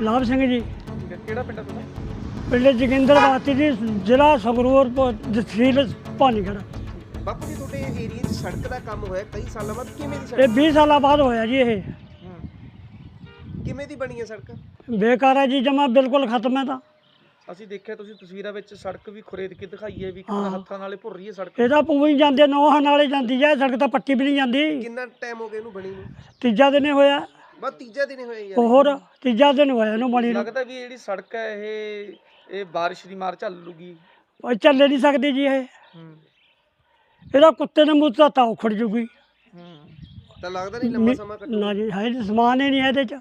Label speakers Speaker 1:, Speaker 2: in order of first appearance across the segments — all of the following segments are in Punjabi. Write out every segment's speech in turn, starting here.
Speaker 1: ਲਾਭ ਸਿੰਘ ਜੀ।
Speaker 2: ਠੀਕ ਹੈ, ਕਿਹੜਾ ਪਿੰਡ ਹੈ ਤੁਹਾਡਾ?
Speaker 1: ਪਿੰਡ ਜੋਗਿੰਦਰਵਾਤੀ ਜੀ, ਜ਼ਿਲ੍ਹਾ ਸੰਗਰੂਰ, ਤਹਿਸੀਲ ਭਾਨੀਗੜ੍ਹ।
Speaker 3: ਬਾਪੂ ਜੀ ਤੁਹਾਡੇ ਏਰੀਏ 'ਚ ਸੜਕ ਦਾ ਕੰਮ ਹੋਇਆ ਕਈ ਸਾਲਾਂ ਬਾਅਦ, ਕਿਵੇਂ ਦੀ
Speaker 1: ਇਹ
Speaker 3: ਸੜਕ
Speaker 1: 20 ਸਾਲਾਂ ਬਾਅਦ ਹੋਇਆ ਜੀ। ਇਹ
Speaker 3: ਕਿਵੇਂ ਦੀ ਬਣੀ ਹੈ ਸੜਕ?
Speaker 1: ਬੇਕਾਰ ਹੈ ਜੀ, ਜਮਾ ਬਿਲਕੁਲ ਖਤਮ ਹੈ। ਤਾਂ
Speaker 2: ਅਸੀਂ ਦੇਖਿਆ ਤੁਸੀਂ ਤਸਵੀਰਾਂ ਵਿੱਚ ਸੜਕ ਵੀ ਖੁਰੇਦ ਕੇ ਦਿਖਾਈ ਹੈ ਵੀ ਕਿੰਨਾ ਹੱਥਾਂ ਨਾਲੇ ਭੁਰ ਰਹੀ ਹੈ ਸੜਕ।
Speaker 1: ਇਹਦਾ ਪੂਰੀ ਜਾਂਦੇ ਨੌਹਾਂ ਨਾਲੇ ਜਾਂਦੀ ਹੈ ਸੜਕ, ਤਾਂ ਪੱਟੀ ਵੀ ਨਹੀਂ ਜਾਂਦੀ।
Speaker 3: ਕਿੰਨਾ ਟਾਈਮ ਹੋ ਗਿਆ ਇਹਨੂੰ ਬਣੀ ਨੂੰ?
Speaker 1: ਤੀਜਾ ਦਿਨ ਹੋਇਆ।
Speaker 3: ਬਸ ਤੀਜਾ ਦਿਨ ਹੋਇਆ ਯਾਰ।
Speaker 1: ਹੋਰ ਤੀਜਾ ਦਿਨ ਹੋਇਆ ਇਹਨੂੰ ਬਣੀ ਨੂੰ।
Speaker 2: ਲੱਗਦਾ ਵੀ ਜਿਹੜੀ ਸੜਕ ਹੈ ਇਹ ਬਾਰਿਸ਼ ਦੀ ਮਾਰ ਝੱਲ ਲੂਗੀ।
Speaker 1: ਉਹ ਚੱਲੇ ਨਹੀਂ ਸਕਦੀ ਜੀ ਇਹ। ਇਹਦਾ ਕੁੱਤੇ ਨੇ ਮੂੰਹ ਤਾਂ ਉਖੜ ਜੂਗੀ।
Speaker 3: ਤਾਂ ਲੱਗਦਾ ਨਹੀਂ ਲੰਮਾ ਸਮਾਂ ਕੱਟੂ?
Speaker 1: ਨਾ ਜੀ, ਹੈ ਸਮਾਨ ਹੀ ਨਹੀਂ ਇਹਦੇ 'ਚ।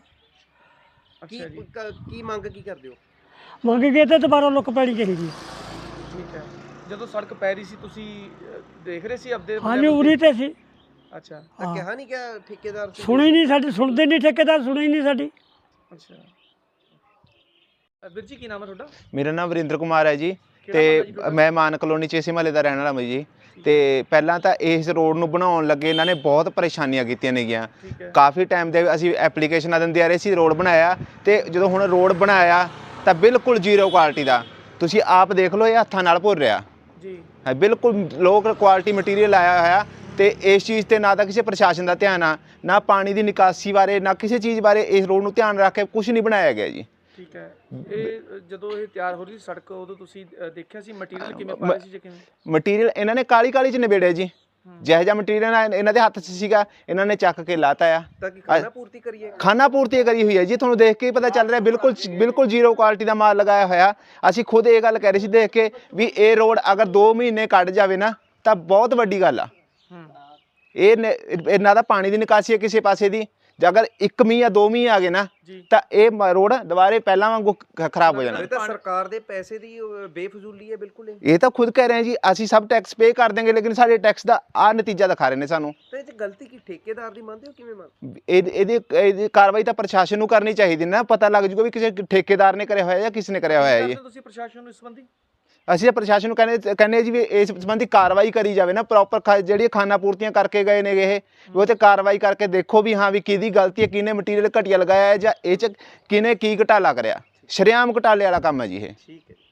Speaker 3: ਕੀ ਮੰਗ ਕੀ ਕਰਦੇ ਹੋ?
Speaker 1: ਮੰਗ ਕੇ ਤੇ ਦੁਬਾਰਾ ਲੁੱਕ ਪੈਣੀ ਚਾਹੀਦੀ।
Speaker 2: ਠੀਕ ਹੈ, ਜਦੋਂ ਸੜਕ ਪੈ ਰਹੀ ਸੀ ਤੁਸੀਂ ਦੇਖ ਰਹੇ ਸੀ ਆਪਦੇ?
Speaker 1: ਹਾਂਜੀ, ਉਰੀ ਤੇ ਸੀ।
Speaker 2: ਅੱਛਾ,
Speaker 3: ਤਾਂ ਕਿਹਾ ਨਹੀਂ ਕਿ ਠੇਕੇਦਾਰ
Speaker 1: ਸੁਣੀ ਨਹੀਂ ਸਾਡੀ, ਸੁਣਦੇ ਨਹੀਂ ਠੇਕੇਦਾਰ, ਸੁਣੀ ਨਹੀਂ ਸਾਡੀ।
Speaker 2: ਅੱਛਾ। ਵੀਰ ਜੀ ਕੀ ਨਾਮ ਹੈ ਤੁਹਾਡਾ?
Speaker 4: ਮੇਰਾ ਨਾਮ ਵਰਿੰਦਰ ਕੁਮਾਰ ਹੈ ਜੀ, ਤੇ ਮੈਂ ਮਾਨ ਕਲੋਨੀ 'ਚ ਇਸੇ ਮਹੱਲੇ ਦਾ ਰਹਿਣ ਵਾਲਾ ਮੈਂ ਜੀ। ਤੇ ਪਹਿਲਾਂ ਤਾਂ ਇਸ ਰੋਡ ਨੂੰ ਬਣਾਉਣ ਲੱਗੇ ਇਹਨਾਂ ਨੇ ਬਹੁਤ ਪਰੇਸ਼ਾਨੀਆਂ ਕੀਤੀਆਂ ਨੇਗੀਆਂ। ਕਾਫੀ ਟਾਈਮ ਦੇ ਅਸੀਂ ਐਪਲੀਕੇਸ਼ਨਾਂ ਦਿੰਦੇ ਆ ਰਹੇ ਸੀ, ਰੋਡ ਬਣਾਇਆ, ਤੇ ਜਦੋਂ ਹੁਣ ਰੋਡ ਬਣਾਇਆ ਤਾਂ ਬਿਲਕੁਲ ਜ਼ੀਰੋ ਕੁਆਲਿਟੀ ਦਾ। ਤੁਸੀਂ ਆਪ ਦੇਖ ਲਓ, ਇਹ ਹੱਥਾਂ ਨਾਲ ਭੁਰ ਰਿਹਾ ਜੀ, ਹੈ ਬਿਲਕੁਲ ਲੋ ਕੁਆਲਿਟੀ ਮਟੀਰੀਅਲ ਆਇਆ ਹੋਇਆ। ਤੇ ਇਸ ਚੀਜ਼ ਤੇ ਨਾ ਤਾਂ ਕਿਸੇ ਪ੍ਰਸ਼ਾਸਨ ਦਾ ਧਿਆਨ ਆ, ਨਾ ਪਾਣੀ ਦੀ ਨਿਕਾਸੀ ਬਾਰੇ, ਨਾ ਕਿਸੇ ਚੀਜ਼ ਬਾਰੇ ਇਸ ਰੋਡ ਨੂੰ ਧਿਆਨ ਰੱਖ ਕੇ ਕੁਝ ਨਹੀਂ ਬਣਾਇਆ ਗਿਆ ਜੀ।
Speaker 2: ਠੀਕ ਹੈ, ਇਹ ਜਦੋਂ ਇਹ ਤਿਆਰ ਹੋ ਰਹੀ ਸੀ ਸੜਕ, ਉਦੋਂ ਤੁਸੀਂ ਦੇਖਿਆ ਸੀ ਮਟੀਰੀਅਲ ਕਿਵੇਂ ਪਾਇਆ ਸੀ ਜਾਂ ਕਿਵੇਂ?
Speaker 4: ਮਟੀਰੀਅਲ ਇਹਨਾਂ ਨੇ ਕਾਲੀ ਕਾਲੀ 'ਚ ਨਿਬੇੜਿਆ ਜੀ। ਜਿਹੋ ਜਿਹਾ ਮਟੀਰੀਅਲ ਇਹਨਾਂ ਦੇ ਹੱਥ 'ਚ ਸੀਗਾ, ਇਹਨਾਂ ਨੇ ਚੱਕ ਕੇ ਲਾਤਾ ਆ।
Speaker 3: ਤਾਂ ਕਿ ਖਾਣਾ ਪੂਰਤੀ ਕਰੀਏ? ਖਾਣਾ
Speaker 4: ਪੂਰਤੀ ਕਰੀ ਹੋਈ ਹੈ ਜੀ, ਤੁਹਾਨੂੰ ਦੇਖ ਕੇ ਹੀ ਪਤਾ ਚੱਲ ਰਿਹਾ ਬਿਲਕੁਲ ਜ਼ੀਰੋ ਕੁਆਲਿਟੀ ਦਾ ਮਾਲ ਲਗਾਇਆ ਹੋਇਆ। ਅਸੀਂ ਖੁਦ ਇਹ ਗੱਲ ਕਹਿ ਰਹੇ ਸੀ ਦੇਖ ਕੇ ਵੀ ਇਹ ਰੋਡ ਅਗਰ 2 ਮਹੀਨੇ ਕੱਢ ਜਾਵੇ ਨਾ ਤਾਂ ਬਹੁਤ ਵੱਡੀ ਗੱਲ ਆ। ਇਹਨਾਂ ਦਾ ਪਾਣੀ ਦੀ ਨਿਕਾਸੀ ਹੈ ਕਿਸੇ ਪਾਸੇ ਦੀ, ਜੇ ਅਗਰ 1 ਮੀਂਹ ਜਾਂ 2 ਮੀਂਹ ਆ ਗਏ ਨਾ ਤਾਂ ਇਹ ਰੋਡ ਦੁਬਾਰੇ ਪਹਿਲਾਂ ਵਾਂਗੂ ਖਰਾਬ ਹੋ ਜਾਣਾ।
Speaker 3: ਇਹ ਤਾਂ ਸਰਕਾਰ ਦੇ ਪੈਸੇ ਦੀ ਬੇਫਜ਼ੂਲੀ ਹੈ ਬਿਲਕੁਲ।
Speaker 4: ਇਹ ਤਾਂ ਖੁਦ ਕਹਿ ਰਹੇ ਜੀ, ਅਸੀਂ ਸਭ ਟੈਕਸ ਪੇ ਕਰ ਦੇਂਗੇ, ਲੇਕਿਨ ਸਾਡੇ ਟੈਕਸ ਦਾ ਆਹ ਨਤੀਜਾ ਦਿਖਾ ਰਹੇ ਨੇ ਸਾਨੂੰ।
Speaker 3: ਤੇ ਇਹ 'ਚ ਗਲਤੀ ਕੀ ਠੇਕੇਦਾਰ ਦੀ ਮੰਨਦੇ ਹੋ? ਕਿਵੇਂ ਮੰਨਦੇ?
Speaker 4: ਇਹਦੀ ਕਾਰਵਾਈ ਤਾਂ ਪ੍ਰਸ਼ਾਸਨ ਨੂੰ ਕਰਨੀ ਚਾਹੀਦੀ ਨਾ, ਪਤਾ ਲੱਗ ਜੂਗਾ ਵੀ ਕਿਸੇ ਠੇਕੇਦਾਰ ਨੇ ਕਰਿਆ ਹੋਇਆ ਜਾਂ ਕਿਸ ਨੇ ਕਰਿਆ ਹੋਇਆ ਜੀ।
Speaker 2: ਤੁਸੀਂ ਪ੍ਰਸ਼ਾਸਨ ਨੂੰ ਇਸ ਸੰਬੰਧੀ?
Speaker 4: ਅਸੀਂ ਪ੍ਰਸ਼ਾਸਨ ਨੂੰ ਕਹਿੰਦੇ ਜੀ ਵੀ ਇਸ ਸੰਬੰਧੀ ਕਾਰਵਾਈ ਕਰੀ ਜਾਵੇ ਨਾ, ਪ੍ਰੋਪਰ ਜਿਹੜੀ ਖਾਨਾ ਪੂਰਤੀਆਂ ਕਰਕੇ ਗਏ ਨੇ ਇਹ, ਉਹ ਤੇ ਕਾਰਵਾਈ ਕਰਕੇ ਦੇਖੋ ਵੀ ਹਾਂ ਵੀ ਕਿਹਦੀ ਗਲਤੀ ਹੈ, ਕਿਹਨੇ ਮਟੀਰੀਅਲ ਘਟੀਆ ਲਗਾਇਆ ਹੈ ਜਾਂ ਇਹ 'ਚ ਕਿਹਨੇ ਕੀ ਘਟਾਲਾ ਕਰਿਆ। ਸ਼ਰੇਆਮ ਘਟਾਲੇ ਵਾਲਾ ਕੰਮ ਹੈ ਜੀ ਇਹ।
Speaker 3: ਠੀਕ ਹੈ।